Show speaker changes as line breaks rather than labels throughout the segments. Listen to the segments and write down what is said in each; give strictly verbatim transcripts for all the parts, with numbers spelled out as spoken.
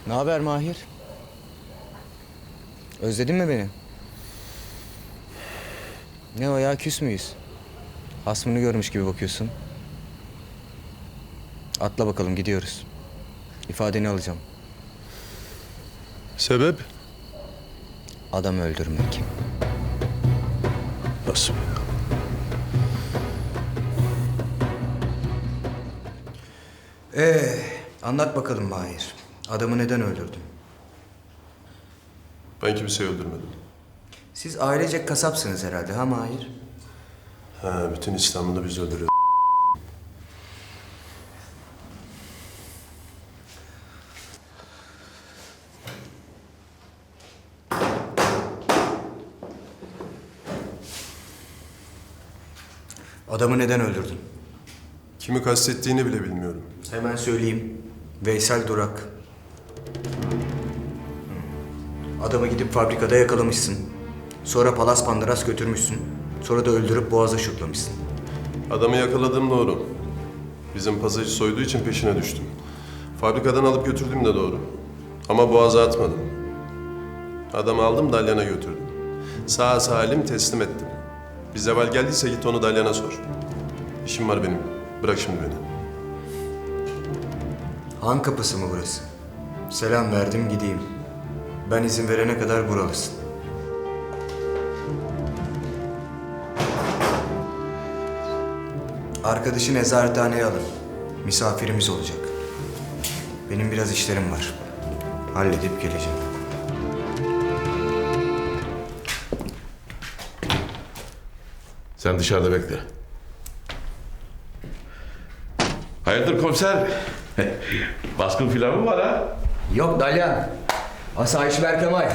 Ne haber Mahir? Özledin mi beni? Ne o ya, küs müyüz? Hasmını görmüş gibi bakıyorsun. Atla bakalım, gidiyoruz. İfadeni alacağım.
Sebep?
Adam öldürmek.
Nasıl?
Ee, anlat bakalım Mahir. Adamı neden öldürdün?
Ben kimseyi öldürmedim.
Siz ailecek kasapsınız herhalde ha Mahir?
Ha, bütün İstanbul'u biz öldürüyoruz.
Adamı neden öldürdün?
Kimi kastettiğini bile bilmiyorum.
Hemen söyleyeyim. Veysel Durak. Adamı gidip fabrikada yakalamışsın. Sonra Palas Pandıras götürmüşsün. Sonra da öldürüp boğaza şutlamışsın.
Adamı yakaladığım doğru. Bizim pasajı soyduğu için peşine düştüm. Fabrikadan alıp götürdüm de doğru. Ama boğaza atmadım. Adamı aldım Dalyan'a götürdüm. Sağ salim teslim ettim. Bir zeval geldiyse git onu Dalyan'a sor. İşim var benim. Bırak şimdi beni.
Han kapısı mı burası? Selam verdim gideyim. Ben izin verene kadar buralısın. Arkadaşı nezarethaneye alın. Misafirimiz olacak. Benim biraz işlerim var. Halledip geleceğim.
Sen dışarıda bekle. Hayırdır komiser? Baskın filan mı var ha?
Yok Dalyan. Asayiş Berkemal.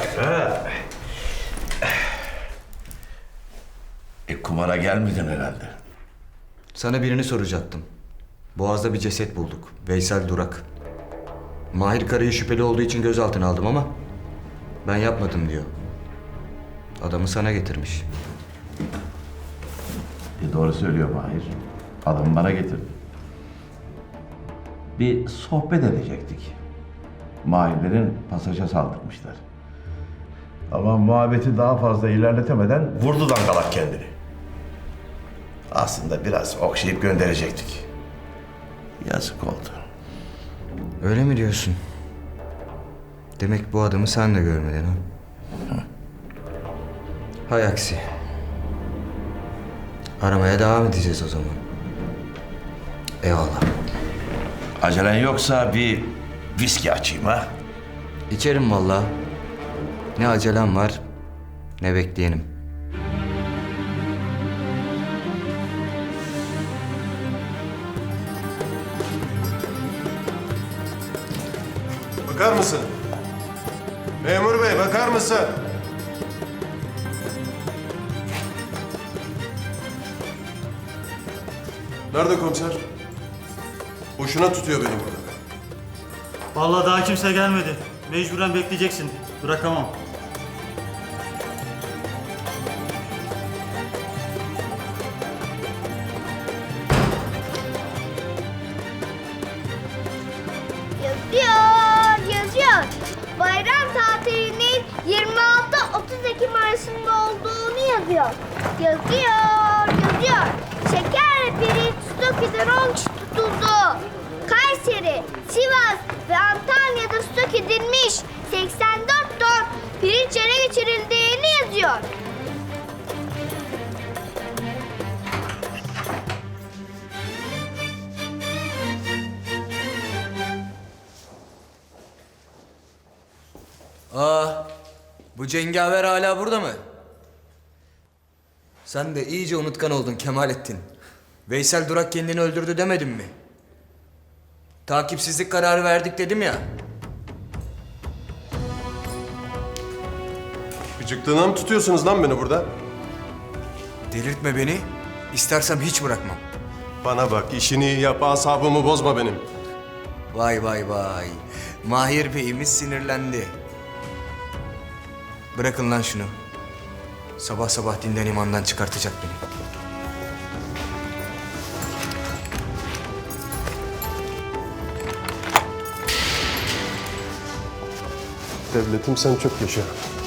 E kumara gelmedin herhalde.
Sana birini soracaktım. Boğaz'da bir ceset bulduk. Veysel Durak. Mahir Kara'yı şüpheli olduğu için gözaltına aldım ama ben yapmadım diyor. Adamı sana getirmiş.
E doğru söylüyor Mahir. Adamı bana getirdi. Bir sohbet edecektik. Mahirlerin pasaja saldırmışlar. Ama muhabbeti daha fazla ilerletemeden vurdu dangalak kendini. Aslında biraz okşayıp gönderecektik. Yazık oldu.
Öyle mi diyorsun? Demek bu adamı sen de görmedin ha?
Hı.
Hay aksi. Aramaya devam edeceğiz o zaman. Eyvallah.
Acelen yoksa bir viski açayım ha?
İçerim vallahi. Ne acelem var, ne bekleyenim.
Bakar mısın? Memur bey bakar mısın? Nerede komiser? Boşuna tutuyor beni burada.
Vallahi daha kimse gelmedi. Mecburen bekleyeceksin. Bırakamam.
Yazıyor, yazıyor. Bayram tatilinin yirmi altı otuz Ekim arasında olduğunu yazıyor. Yazıyor, yazıyor. Şeker pirinç Stokİ'den on kişi tutuldu. Kayseri, Sivas ve Antalya'da stok edilmiş seksen dört ton pirinç ele geçirildiğini yazıyor.
Aa, bu cengaver hala burada mı? Sen de iyice unutkan oldun Kemalettin. Veysel Durak kendini öldürdü demedim mi? Takipsizlik kararı verdik dedim ya.
Gıcıklığına mı tutuyorsunuz lan beni burada?
Delirtme beni. İstersem hiç bırakmam.
Bana bak işini iyi yap, asabımı bozma benim.
Vay vay vay. Mahir Bey'imiz sinirlendi. Bırakın lan şunu. Sabah sabah dinden imandan çıkartacak beni.
Devletim sen çok yaşa.